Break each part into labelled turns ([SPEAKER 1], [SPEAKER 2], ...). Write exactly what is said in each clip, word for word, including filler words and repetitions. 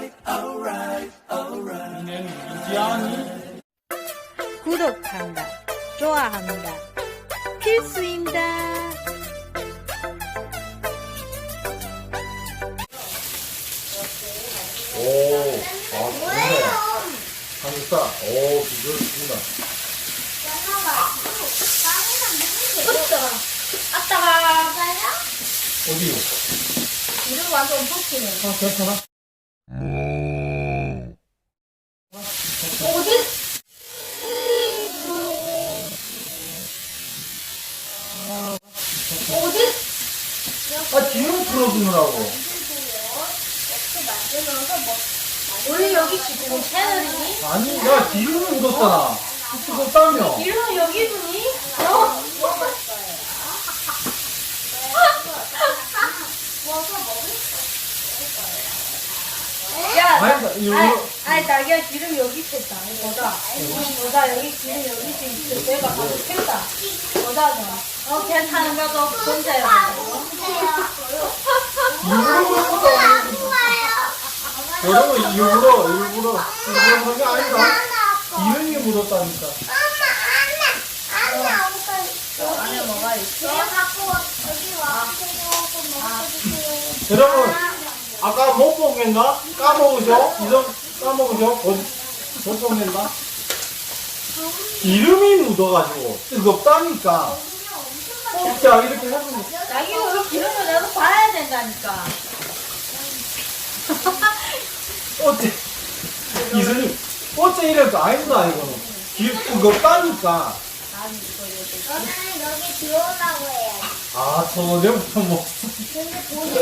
[SPEAKER 1] 이지연이
[SPEAKER 2] 구독한다, 좋아한다, 필수입니다.
[SPEAKER 1] 오, 아, 좋네. 한국사, 오, 비주얼 좋습니다.
[SPEAKER 2] 아따가
[SPEAKER 1] 어디요?
[SPEAKER 2] 이름 완전 섞이네.
[SPEAKER 1] 아, 괜찮아?
[SPEAKER 2] 어디? 어디?
[SPEAKER 1] 아, 기름 풀어주느라고.
[SPEAKER 2] 원래 여기 지금 채널이니?
[SPEAKER 1] 아니, 야, 기름이 묻었잖아. 그거 따며.
[SPEAKER 2] 이름은 여기 분이? 어? 야,
[SPEAKER 1] 아니다, 이거.
[SPEAKER 2] 아니, 아니, 자기야 기름 여기 있었다. 보자. 보자, 여기 기름 여기 있어. 내가 가서 캔다. 보자, 너. 어, 괜찮은 거도 혼자요.
[SPEAKER 1] 여러분, 일부러, 일부러, 일부러 그런 게 아니다. 기름이 묻었다니까.
[SPEAKER 2] 안에 뭐가 있어?
[SPEAKER 1] 여러분, 아까 못 보겠나? 까먹으셔? 이점 까먹으셔? 못, 못 보겠나? 기름이 묻어가지고 뜨겁다니까. 어, 자, 이렇게 해보면.
[SPEAKER 2] 자기가 왜 기름을 내가 봐야 된다니까.
[SPEAKER 1] 어째, 이선이, 어째 이래도 아니다, 이거는. 기, 뜨겁다니까.
[SPEAKER 3] 저는 여기 들어오라고 해요.
[SPEAKER 1] 아, 저녁부터 뭐.
[SPEAKER 3] 근데 돈이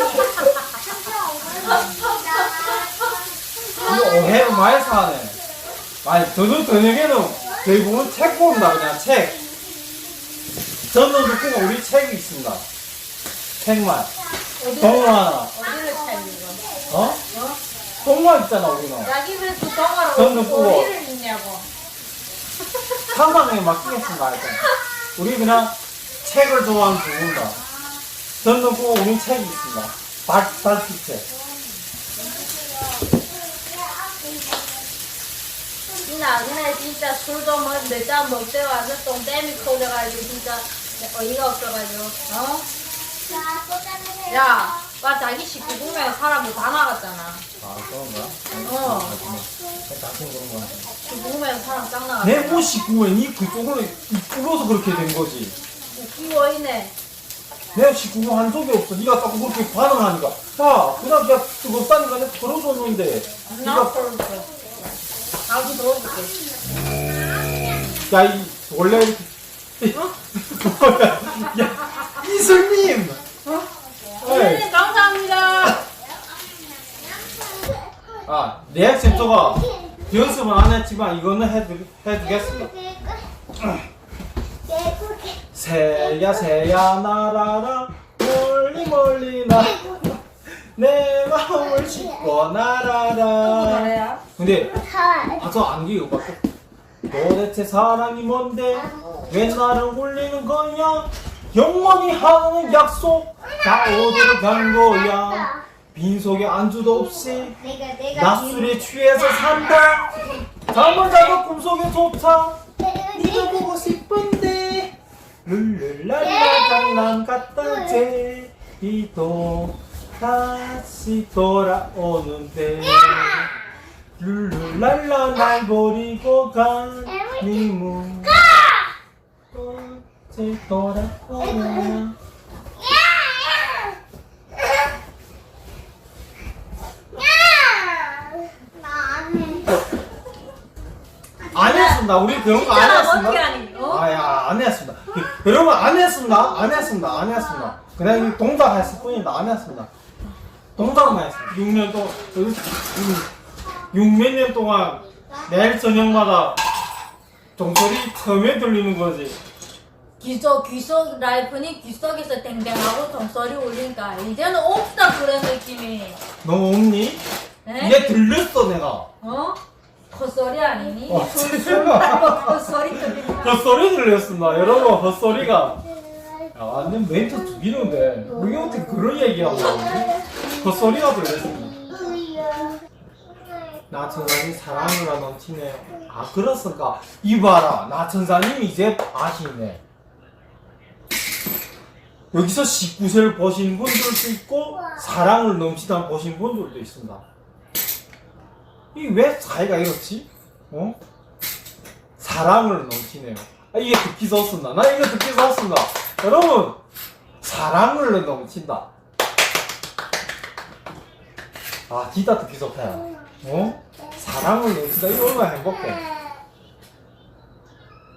[SPEAKER 1] 이거 오해 많이 사네. 아니, 저는 저녁에는 대부분 책 본다, 그냥 책. 저는 듣고 우리 책이 있습니다. 책만. 동화.
[SPEAKER 2] 어디를 찾는 거?
[SPEAKER 1] 어? 동화 있잖아, 우리는.
[SPEAKER 2] 자기 왜 그 동화로
[SPEAKER 1] 저는 그거.
[SPEAKER 2] 어디를 읽냐고.
[SPEAKER 1] 상상에 맡기겠습니다, 일단. 우리 그냥 책을 좋아하는 부부입니다. 저는 듣고 우리 책이 있습니다. 달, 달빛책.
[SPEAKER 2] 이 나그네 진짜 술도 몇잔 먹대 와서 똥땜이 커져가지고 진짜 어이가 없어가지고 어? 야, 와 자기 식구 보면 사람이 다 나갔잖아.
[SPEAKER 1] 아, 그런가?
[SPEAKER 2] 어.
[SPEAKER 1] 같은 그런 거 같아.
[SPEAKER 2] 식구 보면 사람 짱 나갔잖아.
[SPEAKER 1] 내 옷 식구에 니 그쪽으로 뚫어서 그렇게 된 거지.
[SPEAKER 2] 웃기워이네.
[SPEAKER 1] 내 식구가 한 적이 없어. 니가 자꾸 그렇게 반응하니까. 야, 그냥 그냥 뜨겁다니까 내가 털어줬는데.
[SPEAKER 2] 나
[SPEAKER 1] 니가,
[SPEAKER 2] 털어줄게. 나도 털어줄게.
[SPEAKER 1] 야, 이, 원래 이렇게. 뭐야. 야, 이슬님!
[SPEAKER 2] 어?
[SPEAKER 1] 에이.
[SPEAKER 2] 선생님 감사합니다.
[SPEAKER 1] 아, 리액션 저거 연습은 안 했지만 이거는 해두, 해두겠습니다. 새야 새야 날아라 멀리 멀리 나 내 마음을 싣고 날아라.
[SPEAKER 2] 그래야?
[SPEAKER 1] 근데 아, 저 안기 이거 봐. 도대체 사랑이 뭔데 왜 나를 울리는 거야? 영원히 하는 약속 다 어디로 간 거야? 빈속에 안주도 없이
[SPEAKER 3] 내가 내가
[SPEAKER 1] 낮술에 취해서 산다. 잠을 자도 꿈속에조차 네가 보고 싶은데 룰루랄라 장난 같다 제이도 다시 돌아오는데 룰루랄라 날 버리고 가니 문 언제 돌아오냐. 안 했습니다. 우리 그런 거 안
[SPEAKER 2] 진짜
[SPEAKER 1] 했습니다.
[SPEAKER 2] 어떻게 하니? 어?
[SPEAKER 1] 아야, 안 했습니다. 그, 여러분 안 했습니다. 안 했습니다. 안 했습니다. 그냥 이 동작 했을 뿐입니다. 안 했습니다. 동작만 했습니다. 육 년 동안 육몇 년 동안 매일 저녁마다 종소리 처음에 들리는 거지.
[SPEAKER 2] 귀속 귀속 라이프니 귀속에서 댕댕하고 종소리 울리니까 이제는 없다 그런 느낌이.
[SPEAKER 1] 너 없니?
[SPEAKER 2] 에?
[SPEAKER 1] 이게 들렸어 내가.
[SPEAKER 2] 어? 헛소리 아니니?
[SPEAKER 1] 와,
[SPEAKER 2] 술
[SPEAKER 1] 진짜.
[SPEAKER 2] 말고 헛소리 들리니까.
[SPEAKER 1] 헛소리 들렸습니다. 여러분 헛소리가. 야, 완전 멘트 죽이는데 우리 어떻게 그런 얘기하고 헛소리가 들렸습니다. 나 천사님 사랑으로 넘치네요. 아 그렇습니까? 이봐라 나 천사님이 이제 아시네. 여기서 십구 세를 보신 분들도 있고 사랑을 넘치다 보신 분들도 있습니다. 이게 왜 사이가 이렇지? 어? 사랑을 넘치네요. 아, 이게 듣기 좋습니다. 나 이거 듣기 좋습니다. 여러분 사랑을 넘친다. 아 진짜 듣기 좋다. 어? 사랑을 넘친다. 이거 얼마나 행복해.